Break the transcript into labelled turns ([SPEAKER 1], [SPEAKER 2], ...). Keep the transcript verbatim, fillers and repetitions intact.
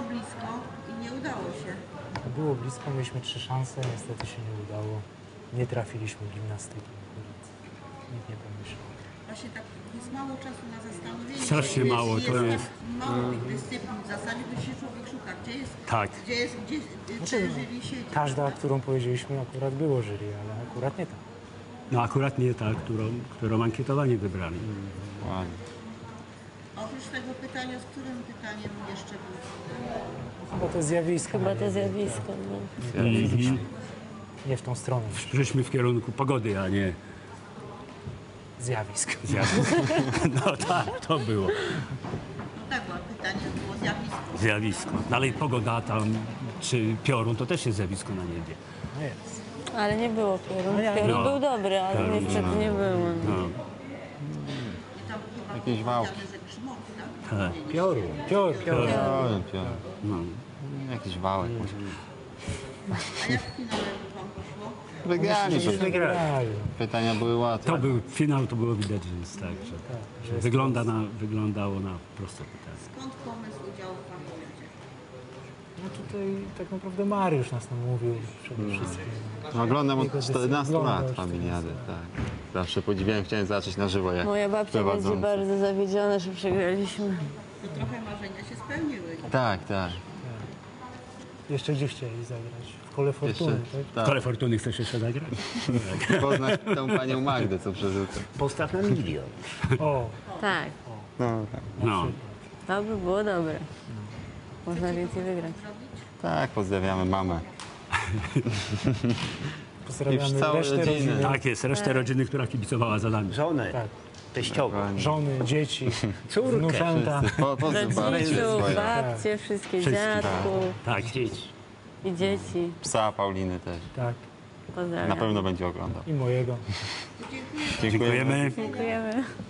[SPEAKER 1] blisko i nie udało się.
[SPEAKER 2] Było blisko, mieliśmy trzy szanse, niestety się nie udało. Nie trafiliśmy gimnastyki. Nikt nie pomyślał.
[SPEAKER 1] Właśnie tak jest mało czasu na zastanowienie.
[SPEAKER 3] Strasznie
[SPEAKER 1] jest,
[SPEAKER 3] mało,
[SPEAKER 1] jest
[SPEAKER 3] to
[SPEAKER 1] tak
[SPEAKER 3] jest.
[SPEAKER 1] mało tych dyscyplin w zasadzie, to się człowiek szuka. Gdzie jest,
[SPEAKER 3] Tak.
[SPEAKER 1] gdzie jest, gdzie
[SPEAKER 2] Znaczy,
[SPEAKER 1] te jury siedzi.
[SPEAKER 2] Każda, którą powiedzieliśmy, akurat było jury, ale akurat nie ta.
[SPEAKER 3] No akurat nie ta, którą, którą ankietowani wybrali.
[SPEAKER 4] Ładnie.
[SPEAKER 1] Oprócz tego pytania, z którym pytaniem jeszcze był?
[SPEAKER 2] Chyba to zjawisko.
[SPEAKER 5] Chyba
[SPEAKER 2] na
[SPEAKER 5] to
[SPEAKER 2] niebie,
[SPEAKER 5] zjawisko. No.
[SPEAKER 2] tak. Trafiliśmy. Nie w tą stronę.
[SPEAKER 3] Szliśmy w kierunku pogody, a nie
[SPEAKER 2] Zjawisk.
[SPEAKER 3] zjawiska. No tak, to było
[SPEAKER 1] No tak, bo pytanie było zjawisko.
[SPEAKER 3] zjawisko. Dalej pogoda tam, czy piorun, to też jest zjawisko na niebie.
[SPEAKER 2] No jest.
[SPEAKER 5] Ale nie było piorun.
[SPEAKER 2] No ja-
[SPEAKER 5] Piorun
[SPEAKER 3] No.
[SPEAKER 5] był dobry, ale
[SPEAKER 3] Piorun,
[SPEAKER 5] niestety
[SPEAKER 3] no.
[SPEAKER 5] nie było.
[SPEAKER 3] No,
[SPEAKER 1] I tam chyba
[SPEAKER 4] Jakieś
[SPEAKER 1] było
[SPEAKER 4] wałki.
[SPEAKER 1] powiedziane, że grzmot, tak?
[SPEAKER 3] tak.
[SPEAKER 2] Piorun, pior, pior.
[SPEAKER 4] Piorun, piorun.
[SPEAKER 3] No.
[SPEAKER 4] Jakiś wałek może.
[SPEAKER 1] A jak w finale wam poszło?
[SPEAKER 4] Wygraliśmy.
[SPEAKER 2] Wygrali.
[SPEAKER 4] Pytania były łatwe.
[SPEAKER 3] To był finał, to było widać, że jest tak, że, że wygląda na, wyglądało na proste pytanie.
[SPEAKER 1] Skąd pomysł udziału w Pamięcie?
[SPEAKER 2] No tutaj tak naprawdę Mariusz nas namówił przede wszystkim.
[SPEAKER 4] No, oglądam od
[SPEAKER 2] Jego
[SPEAKER 4] czternastu
[SPEAKER 2] oglądał
[SPEAKER 4] lat
[SPEAKER 2] już
[SPEAKER 4] Familiadę, tak. Zawsze podziwiałem, chciałem zobaczyć na żywo jak
[SPEAKER 5] Moja babcia będzie
[SPEAKER 4] prowadzący.
[SPEAKER 5] bardzo zawiedziona, że przegraliśmy.
[SPEAKER 1] To trochę marzenia się spełniły.
[SPEAKER 4] Tak, tak.
[SPEAKER 2] Jeszcze gdzie chcieli zagrać? W Kole Fortuny,
[SPEAKER 4] Jeszcze,
[SPEAKER 2] tak?
[SPEAKER 4] tak.
[SPEAKER 3] Kole Fortuny chcesz jeszcze zagrać?
[SPEAKER 4] Poznać tą panią Magdę, co przerzuca.
[SPEAKER 3] Postaw na milion.
[SPEAKER 2] O,
[SPEAKER 5] Tak,
[SPEAKER 4] No, tak.
[SPEAKER 3] No.
[SPEAKER 5] to by było dobre. Można więcej wygrać.
[SPEAKER 4] Tak, pozdrawiamy mamę.
[SPEAKER 2] pozdrawiamy
[SPEAKER 4] Już całe
[SPEAKER 2] resztę
[SPEAKER 4] rodziny.
[SPEAKER 2] rodziny.
[SPEAKER 3] Tak jest, resztę rodziny, która kibicowała za nami.
[SPEAKER 6] Żonę,
[SPEAKER 2] Tak.
[SPEAKER 6] teściową,
[SPEAKER 2] Żony, dzieci,
[SPEAKER 6] córkę,
[SPEAKER 2] wnuczęta.
[SPEAKER 4] Po, pozdrów babci
[SPEAKER 5] Rodziców,
[SPEAKER 4] swoje.
[SPEAKER 5] babcie, wszystkie
[SPEAKER 3] Wszystkich.
[SPEAKER 5] dziadków
[SPEAKER 3] Tak.
[SPEAKER 6] dzieci.
[SPEAKER 5] i dzieci.
[SPEAKER 4] Psa Pauliny też.
[SPEAKER 2] Tak.
[SPEAKER 4] Na
[SPEAKER 5] Pozdrawiam.
[SPEAKER 4] pewno będzie oglądał.
[SPEAKER 2] I mojego.
[SPEAKER 4] Dziękujemy.
[SPEAKER 3] Dziękujemy.
[SPEAKER 5] Dziękujemy.